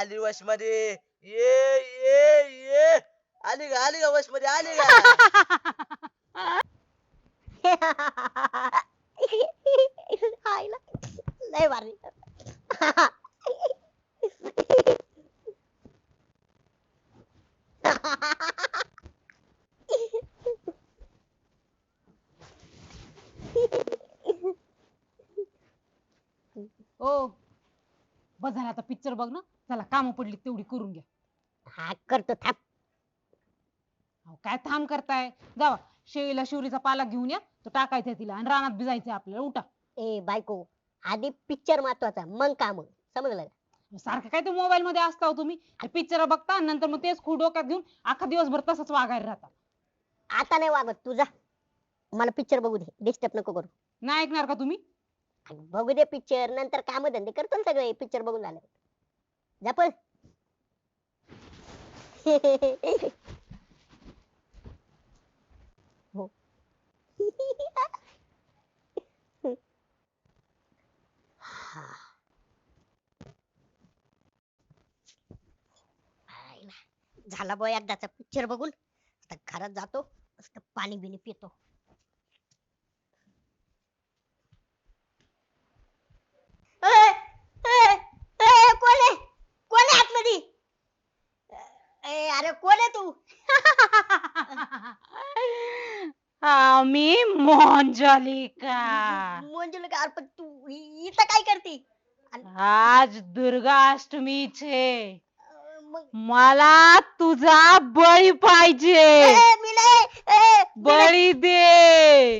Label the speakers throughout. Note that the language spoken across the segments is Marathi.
Speaker 1: आली वश मध्ये ये ये ये आली का वश मध्ये आली का
Speaker 2: आईला लय भारी.
Speaker 3: ओ बस झालं आता पिक्चर बघ ना. चला काम पडली तेवढी करून घ्या.
Speaker 2: हा करतो थांब.
Speaker 3: अहो, काय थांब करताय. जावा शेळीला शिवरीचा पाला घेऊन या. तो टाकायचा तिला आणि रानात भिजायचंय आपल्याला. उठा.
Speaker 2: ए बायको, आधी पिक्चर महत्वाचा मग काम, समजलं का?
Speaker 3: सारखं काय ते मोबाईल मध्ये असता हो तुम्ही. पिक्चर बघता आणि नंतर मग तेच खूप डोक्यात घेऊन अख्खा दिवसभर तसंच वागायला राहता.
Speaker 2: आता नाही वागत तुझा. मला पिक्चर बघू दे, डिस्टर्ब नको करू.
Speaker 3: नाही ऐकणार का तुम्ही.
Speaker 2: बघू दे पिक्चर, नंतर काम धंदे करतो ना सगळे पिक्चर बघून झालं. जा पळ. हो. हा. आईला. झाला बॉ एकदाचा पिक्चर बघून. आता घरात जातो, मस्त पाणी बिनी पितो. ए, ए, ए, कोण आहे? कोण आहे आतमध्ये? ए, अरे कोण आहे तू?
Speaker 3: मी मंजलिका.
Speaker 2: मंजुलिका, अरे पण तू इथं काय करते?
Speaker 3: आज दुर्गा अष्टमी छे.
Speaker 2: मग
Speaker 3: मला तुझा बळी पाहिजे.
Speaker 2: ए, मी नाही. ए, मी नाही.
Speaker 3: बळी दे.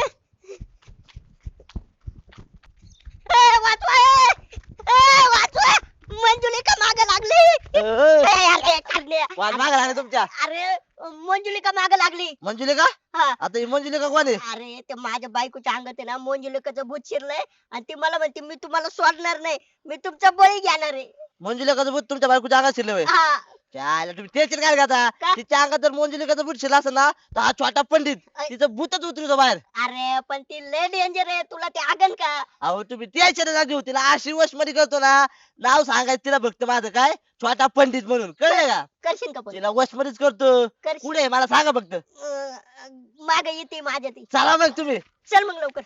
Speaker 2: वाचवा. वाचवा. मंजुलिका मागे लागली. अरे खाल्ले.
Speaker 1: वाज माग लागले तुमच्या
Speaker 2: अरे मंजुलिका मागे लागली.
Speaker 1: मंजुलिका
Speaker 2: हा.
Speaker 1: आता ही मंजुलिका कोण आहे
Speaker 2: अरे ते माझ्या बायकोच्या अंगात आहे ना मंजुलिकाचं भूत शिरलंय आणि ती मला म्हणते मी तुम्हाला सोडणार नाही, मी तुमचा बळी घेणार आहे.
Speaker 1: मंजुलिकाचं भूत तुमच्या बायकोच्या अंगात शिरलं होय
Speaker 2: हा.
Speaker 1: चाल तुम्ही टेन्शन काय घेता
Speaker 2: का?
Speaker 1: तिच्या अंगात जर मंजुलिकाचं भूत शिरलं असेल ना तर हा छोटा पंडित तिचं भूतच उतरतो बाहेर.
Speaker 2: अरे पण ती लय डेंजर आहे, तुला ते आगन का?
Speaker 1: अहो तुम्ही टेन्शन ना घेऊ तिला अशी वश मध्ये करतो ना. नाव सांगायचं तिला फक्त माझं काय छोटा पंडित म्हणून कळलं का.
Speaker 2: करशील का पण?
Speaker 1: तिला वश मध्येच करतो.
Speaker 2: करशील.
Speaker 1: पुढे मला सांगा फक्त.
Speaker 2: मागे येते माझ्या ती.
Speaker 1: चला मग तुम्ही.
Speaker 2: चल मग लवकर.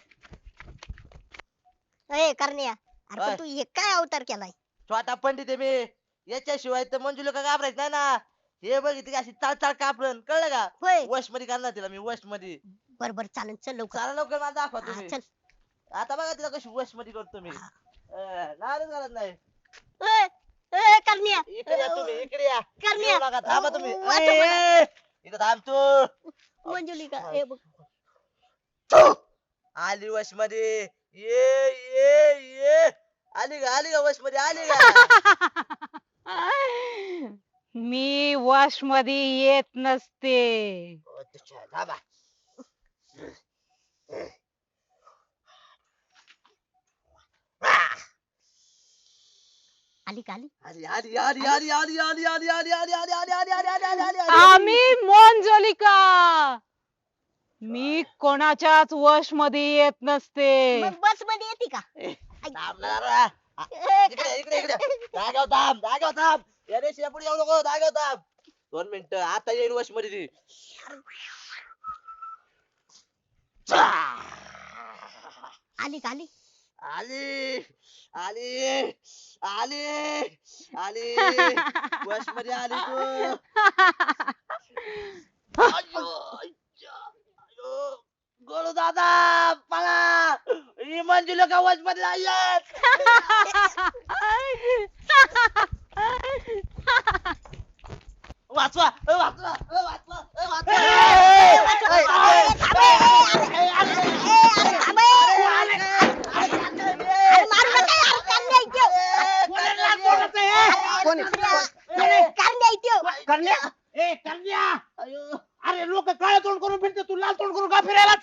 Speaker 2: ए करण्या, अरे
Speaker 1: काय?
Speaker 2: पण तू हे काय अवतार केलाय?
Speaker 1: छोटा पंडित आहे मी. याच्याशिवाय तर मंजुलिका घाबरायच नाही ना. हे बघ ती अशी चाळ कापरण कळलं का.
Speaker 2: होय.
Speaker 1: वश मध्ये करणार तिला मी वश मध्ये.
Speaker 2: बर बर चालेल, चल लवकर.
Speaker 1: चला लवकर मला दाखवा
Speaker 2: हा,
Speaker 1: तुम्ही.
Speaker 2: चल.
Speaker 1: आता बघा तिला कशी वश मध्ये करतो मी. नाराज करत नाही.
Speaker 2: ए, ए, करण्या.
Speaker 1: इकडे या तुम्ही इकडे या.
Speaker 2: करण्या.
Speaker 1: येऊ नका, थांबा तुम्ही.
Speaker 2: वाचव मला.
Speaker 1: इथं थांबतो.
Speaker 2: मंजुलिका, ए बघ.
Speaker 1: आली वश मध्ये ये ये ये आली का वश मध्ये आली का.
Speaker 3: मी वॉश मध्ये येत नसते.
Speaker 1: अच्छा, थांबा.
Speaker 2: आली का? आली.
Speaker 1: आली आली आली आली आली आली आली आली आली आली आली आली आली आली आली आली आली.
Speaker 3: आम्ही मंजलिका. मी कोणाच्याच वश मध्ये येत नसते.
Speaker 2: मग बस मध्ये येते का?
Speaker 1: थांब ना जरा.
Speaker 2: ए,
Speaker 1: इकडे इकडे इकडे जागेवर थांब या रेषेच्या पुढे येऊ नको. जागेवर थांब 2 मिनिटं. आता येईल वश मध्ये ती.
Speaker 2: आली का? आली.
Speaker 1: आली आली आली आली वश मध्ये आली तू. अय्यो, अय्यो. गोळू दादा पळा. ही मंजुलिका वश मध्ये नाहीयेत. वाचवा वाचवा वाचवा वाचवा.
Speaker 4: अरे लोक काळ तोंड करून फिरते, तू लाल तोंड करून का फिरायला?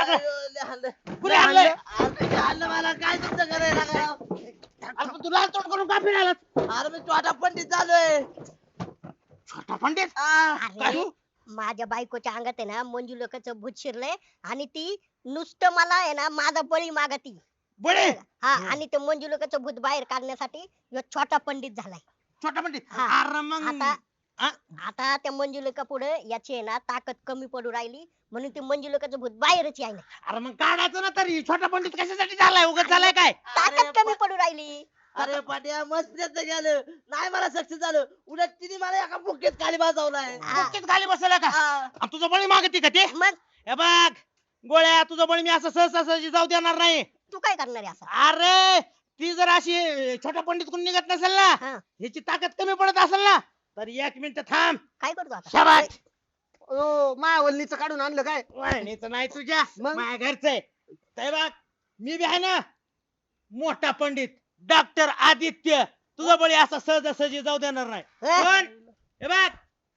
Speaker 1: मला काय तुमचं करायला लागाव?
Speaker 4: अरे तू लाल तोंड करून का फिरायला?
Speaker 1: अरे मी छोटा पंडित झालोय.
Speaker 4: छोटा पंडित.
Speaker 2: अरे माझ्या बायकोच्या अंगात आहे ना मंजुलिकाचं भूत शिरलंय आणि ती नुसतं मला आहे ना माझा बळी मागती.
Speaker 4: बळे
Speaker 2: हा, आणि ते मंजुलिकाचं भूत बाहेर काढण्यासाठी ह्यो छोटा पंडित झालाय.
Speaker 4: छोटा पंडित
Speaker 2: हा.
Speaker 4: अरे मग
Speaker 2: आता
Speaker 4: हा?
Speaker 2: आता त्या मंजुलिका पुढे याची आहे ना ताकद कमी पडू राहिली म्हणून ते मंजुलिकाचं भूत बाहेरच यायला
Speaker 4: अरे मग काढायचं ना तरी छोटा पंडित कशासाठी झालाय उगाच झालाय काय
Speaker 2: ताकद कमी पडू राहिली
Speaker 1: अरे पाट्या मस्त प्रयत्न केलं नाही मला सक्सेस झालं उलट तिने मला एका बुकेत खाली बसवलाय
Speaker 2: हा.
Speaker 4: बुक्कीत खाली बसवलं का
Speaker 1: हा.
Speaker 4: आणि तुझं बळी मागते का ते
Speaker 2: मग
Speaker 4: हे बघ गोळ्या तुझं बळी मी असं सहसा सहजी जाऊ देणार नाही
Speaker 2: तू काय करणार आहे असं
Speaker 4: अरे ती जर अशी छोटा पंडित कोण निघत नसेल ना
Speaker 2: हा.
Speaker 4: ह्याची ताकद कमी पडत असेल ना तर 1 मिनिट थांब
Speaker 2: काय करतो आता
Speaker 4: शाबास
Speaker 5: ओ मायावल्लीचं काढून आणलं काय
Speaker 4: वहिनीचं नाही तुझ्या
Speaker 5: मग?
Speaker 4: माझ्या घरचं आहे ते बघ मी बी आहे ना मोठा पंडित डॉक्टर आदित्य तुझा बळी असा सहजासहजी जाऊ देणार नाही
Speaker 2: हे?
Speaker 4: कोण हे बघ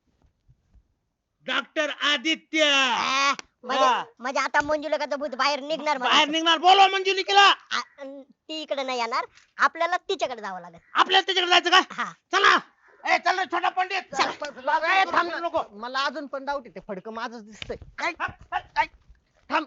Speaker 4: डॉक्टर आदित्य
Speaker 2: आ, म्हणजे आता मंजुलिकाचं भूत बाहेर निघणार
Speaker 4: बाहेर
Speaker 2: म्हणायचं.
Speaker 4: निघणार बोलवा मंजुलिकेला
Speaker 2: ती इकडे नाही येणार आपल्याला तिच्याकडे जावं लागेल
Speaker 4: आपल्याला त्याच्याकडे जायचं का
Speaker 2: हा
Speaker 4: चला ए चल रे छोटा पंडित
Speaker 5: ए, थांब ना.
Speaker 4: नको
Speaker 5: मला अजून पण डाऊट येते फडकं माझंच दिसतंय
Speaker 4: काय? काय?
Speaker 5: थांब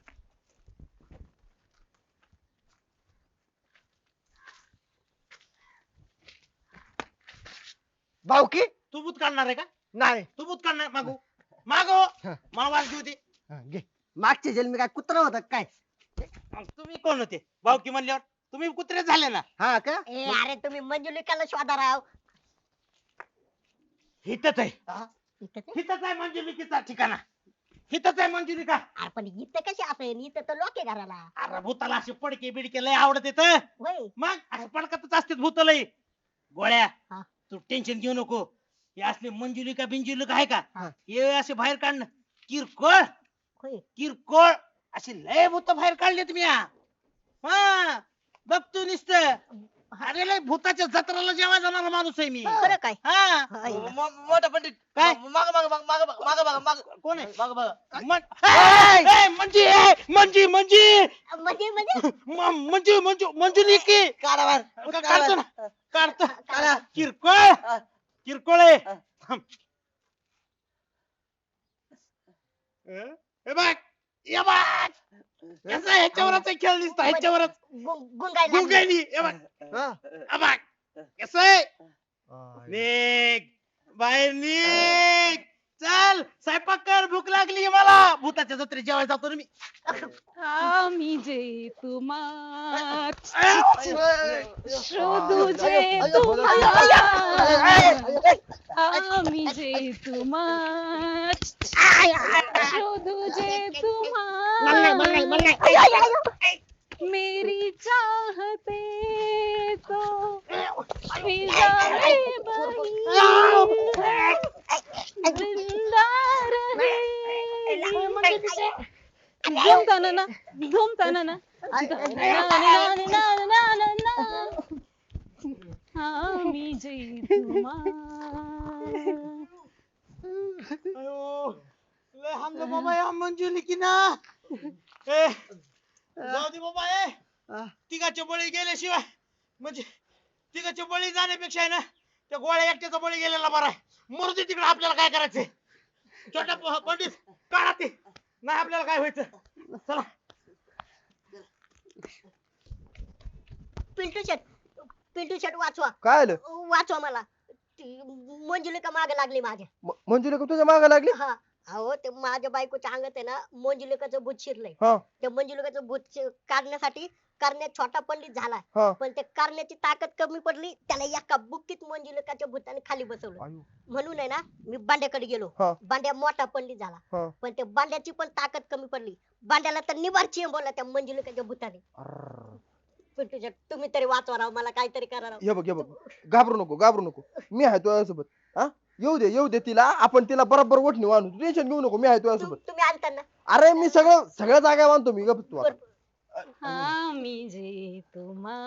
Speaker 5: भाऊकी
Speaker 4: तू भूत काढणार आहे का
Speaker 5: नाही
Speaker 4: तू भूत काढणार मागू मागो
Speaker 5: हा.
Speaker 4: मला वाज घेऊ दे
Speaker 5: हा, घे मागच्या जन्मी काय कुत्रा होता काय
Speaker 4: मग तुम्ही कोण होते भावकी म्हणल्यावर तुम्ही कुत्रे झाले ना
Speaker 5: हा का
Speaker 2: ए अरे तुम्ही मंजुलिकाला शोधा राव
Speaker 4: हितच आहे
Speaker 2: इथं ते-
Speaker 4: हितच आहे मंजुलिकेचा ठिकाणा हितच आहे मंजुलिका
Speaker 2: अरे पण इथं कशी असेल इथं तर लोक आहे घराला
Speaker 4: अरे भूताला असे पडके बिडके लय आवडत येत
Speaker 2: होय
Speaker 4: मग असं पडकतच असते भूत लय गोळ्या
Speaker 2: हा.
Speaker 4: तू टेन्शन घेऊ नको हे असले मंजुलिका बिंजुलिका आहे का
Speaker 5: हा.
Speaker 4: हे असे बाहेर काढणं किरकोळ
Speaker 2: होय
Speaker 4: किरकोळ असे लय भूत बाहेर काढले तुम्ही हा बघतो नुसत अरे लय भूताच्या जत्राला जेव्हा जाणारा माणूस आहे मी
Speaker 2: खरं काय
Speaker 4: हा
Speaker 2: होय ना.
Speaker 1: मोठा पंडित
Speaker 4: काय?
Speaker 1: माग माग माग माग माग माग माग
Speaker 4: कोण आहे
Speaker 1: माग माग
Speaker 4: मंजी मंजी मंजी
Speaker 2: म्हणजे
Speaker 4: मंजू मंजू मंजुलिकी
Speaker 1: काढा बाहेर.
Speaker 4: काढतो ना काढतो
Speaker 1: काढा.
Speaker 4: किरकोळ किरकोळ आहे
Speaker 1: हा.
Speaker 4: थांब. हे बघ ये बघ कसं ह्याच्यावरच आहे खेळ दिसतो ह्याच्यावरच
Speaker 2: गुंगायला लागली.
Speaker 4: गुंगाईनी हे बघ
Speaker 5: हा.
Speaker 4: हे बघ कसं आहे निघ बाहेर निघ चल स्वयंपाक कर भूक लागली मला भूताच्या जत्रेत जेवायला जातो ना मी
Speaker 3: आम्ही जे तुम्हा
Speaker 4: अय,
Speaker 3: शोधू जे
Speaker 5: अय्यो,
Speaker 3: तुम्हाला
Speaker 5: अय्यो,
Speaker 3: आम्ही जे तुम्हा शोधू जे तुम्हा मेरी चाहते तो फिजा में बही जिंदा रहे झूमताना ना झूमताना ना आम्ही जे तुम्हा
Speaker 4: अयो लय हमला बाबा या मंजुलिकी ना ए जाऊ दे बाबा ए तिघाचे बळी गेल्याशिवाय म्हणजे तिघाचे बळी जाण्यापेक्षा आहे ना त्या गोळ्या एकट्याचा बळी गेलेला बरा आहे मरू दे तिकडे आपल्याला काय करायचंय छोटा पंडित काढा ते नाही आपल्याला काय व्हायचं चला
Speaker 2: पिंटू शेट वाचवा
Speaker 5: काय आलं
Speaker 2: वाचवा मला ती मंजुलिका मागे लागली माझ्या
Speaker 5: मंजुलिका तुझ्या मागे लागली
Speaker 2: हा अहो ते माझ्या बायकोच्या अंगात आहे ना मंजुलिकाचं भूत शिरलंय
Speaker 5: हा
Speaker 2: त्या मंजुलिकाचं भूत काढण्यासाठी करण्यात छोटा पंडित झाला
Speaker 5: हा
Speaker 2: पण ते करण्याची ताकद कमी पडली त्याला एका बुक्कीत मंजुलिकाच्या भूताने खाली बसवलं
Speaker 5: आयु.
Speaker 2: म्हणून आहे ना मी बांड्याकडे गेलो
Speaker 5: हा.
Speaker 2: बांड्या मोठा पंडित झाला
Speaker 5: हा.
Speaker 2: पण त्या बांड्याची पण ताकद कमी पडली बांड्याला तर निवार बोलला त्या मंजुलिकाच्या भूताने
Speaker 5: अर्र.
Speaker 2: पिंटू शेट तुम्ही तरी वाचवा राव मला काहीतरी करा राव
Speaker 5: हे बघ घाबरू नको मी आहे तुझ्यासोबत हा येऊ दे तिला आपण तिला बरोबर ओढणी आणू तू टेन्शन घेऊ नको मी आहे तुझ्यासोबत
Speaker 2: तुम्ही आणताना
Speaker 5: अरे मी सगळ्या जागा बांधतो मी गप तू आता.
Speaker 3: आम्ही जे तुम्हा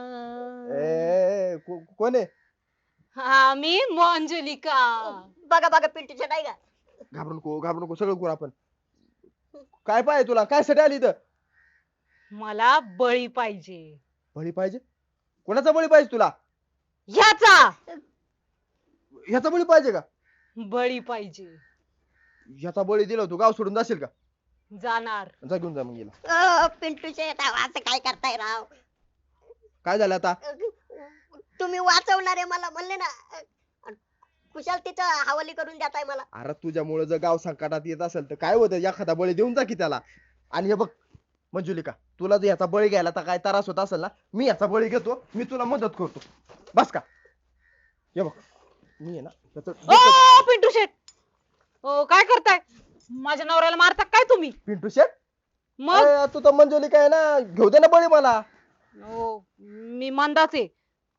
Speaker 5: कोण आहे
Speaker 3: आम्ही मंजुलिका
Speaker 2: बघा पिंटू शेट आहे का
Speaker 5: घाबरू नको सगळं करू आपण काय पाहिजे तुला काय साठी आली इथं
Speaker 3: मला बळी पाहिजे
Speaker 5: बळी पाहिजे कोणाचा बळी पाहिजे तुला
Speaker 3: ह्याचा
Speaker 5: ह्याचा बळी पाहिजे का
Speaker 3: बळी पाहिजे
Speaker 5: ह्याचा बळी दिला तू गाव सोडून जाशील का
Speaker 3: जाणार
Speaker 5: जा घेऊन जा मग गेला
Speaker 2: पिंटू शेट असं काय करताय राव
Speaker 5: काय झालं आता
Speaker 2: तुम्ही वाचवणार आहे मला म्हणले ना कुशाल तिथं हवाली करून देताय मला.
Speaker 5: अरे तुझ्यामुळे जर गाव संकटात येत असेल तर काय होतं, एखादा बळी देऊन जा की त्याला. आणि हे बघ मंजुलिका, तुला जर याचा बळी घ्यायला तर काय त्रास होत असेल ना, मी याचा बळी घेतो, मी तुला मदत करतो. बस का? हे बघ मी आहे ना
Speaker 3: ओ पिंटू शेट, ओ काय करताय? माझ्या नवऱ्याला मारता काय तुम्ही?
Speaker 5: पिंटू शेट,
Speaker 3: मग
Speaker 5: अरे तू तर मंजुलिका आहे ना, घेऊ दे ना बळी मला.
Speaker 3: ओ मी मंदाच आहे.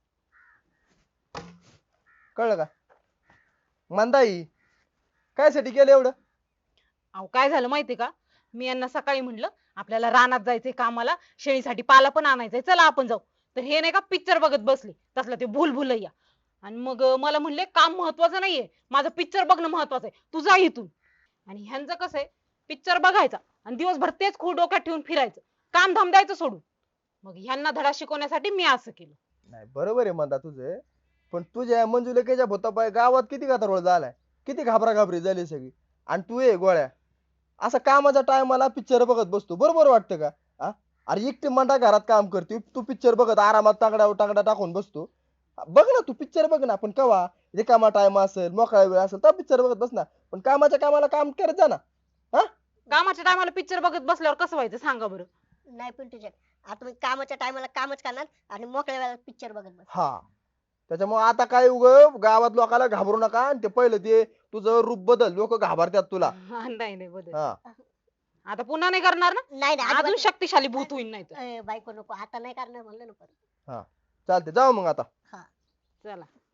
Speaker 5: कळलं का? मंदाई काय साठी केलं एवढं?
Speaker 3: अहो काय झालं माहितीये का, मी यांना सकाळी म्हणलं आपल्याला रानात जायचंय कामाला, शेळीसाठी पाला पण आणायचंय, चला आपण जाऊ. तर हे नाही का पिक्चर बघत बसले, तसला ते भूलभुलैया. आणि मग मला म्हणले काम महत्वाचं नाहीये, माझं पिक्चर बघणं महत्वाचं आहे, तू जा इथून. आणि ह्यांचं कसं आहे, पिक्चर बघायचा आणि दिवसभर तेच खूळ डोक्यात ठेवून फिरायचं, काम धाम द्यायचं सोडून. मग ह्यांना धडा शिकवण्यासाठी मी असं केलं.
Speaker 5: नाही बरोबर आहे मंदा तुझं, पण तुझ्या मंजुलिकेच्या भूतापाय गावात किती गदारोळ झालाय, किती घाबराघाबरी झाली सगळी. आणि तू ये गोळ्या असं कामाच्या टायमाला पिक्चर बघत बसतो, बरोबर वाटतं का? हा? अरे एकटी मंडा घरात काम करते, तू पिक्चर बघत आरामात तांगडा टांगडा टाकून बसतो. बघ ना, तू पिक्चर बघ ना, आपण कवा रिकामा टाइम असेल, मोकळा वेळ असेल तर पिक्चर बघत बस ना, पण कामाच्या कामाला काम करत जा ना. हा?
Speaker 3: कामाच्या टायमाला पिक्चर बघत बसल्यावर कसं व्हायचं सांगा बरं?
Speaker 2: नाही पिंटू शेट, आता मी कामाच्या टायमाला कामच करणार आणि मोकळ्या वेळेला पिक्चर बघत बस.
Speaker 5: हा, त्याच्यामुळे आता काय गावात लोकांना घाबरू नका. आणि ते पहिलं ते तुझं रूप बदल, लोक घाबरतात तुला.
Speaker 3: नाही नाही बदल.
Speaker 5: हा,
Speaker 3: आता पुन्हा नाही करणार ना?
Speaker 2: नाही नाही
Speaker 3: अजून
Speaker 2: अजिबात
Speaker 3: शक्तिशाली भूत होईल नाही तर.
Speaker 2: नाही. बायको नको, आता नाही करणार म्हणलं ना परत.
Speaker 5: चालते, जाऊ मग आता.
Speaker 3: चला.